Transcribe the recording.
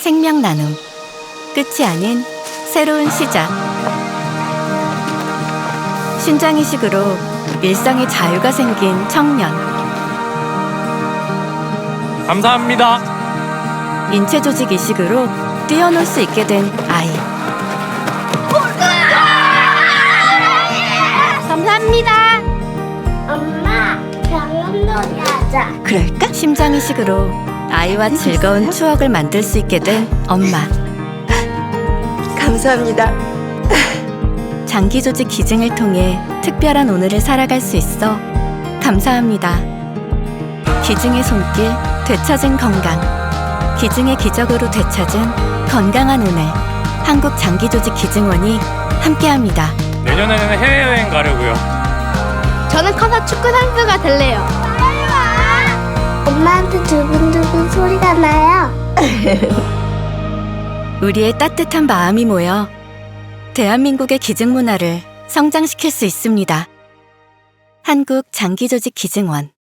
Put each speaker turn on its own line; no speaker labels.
생명 나눔. 끝이 아닌 새로운 시작. 신장이식으로 일상의 자유가 생긴 청년.
감사합니다.
인체 조직 이식으로 뛰어놀 수 있게 된 아이.
감사합니다. 엄마, 병원놀이 하자.
그럴까? 심장 이식으로 아이와 즐거운 추억을 만들 수 있게 된 엄마.
감사합니다.
장기 조직 기증을 통해 특별한 오늘을 살아갈 수 있어 감사합니다. 기증의 손길, 되찾은 건강. 기증의 기적으로 되찾은 건강한 오늘. 한국 장기 조직 기증원이 함께합니다.
내년에는 해외여행 가려고요.
저는 커서 축구 선수가 될래요. 엄마한테 두근두근 소리가 나요.
우리의 따뜻한 마음이 모여 대한민국의 기증 문화를 성장시킬 수 있습니다. 한국 장기 조직 기증원.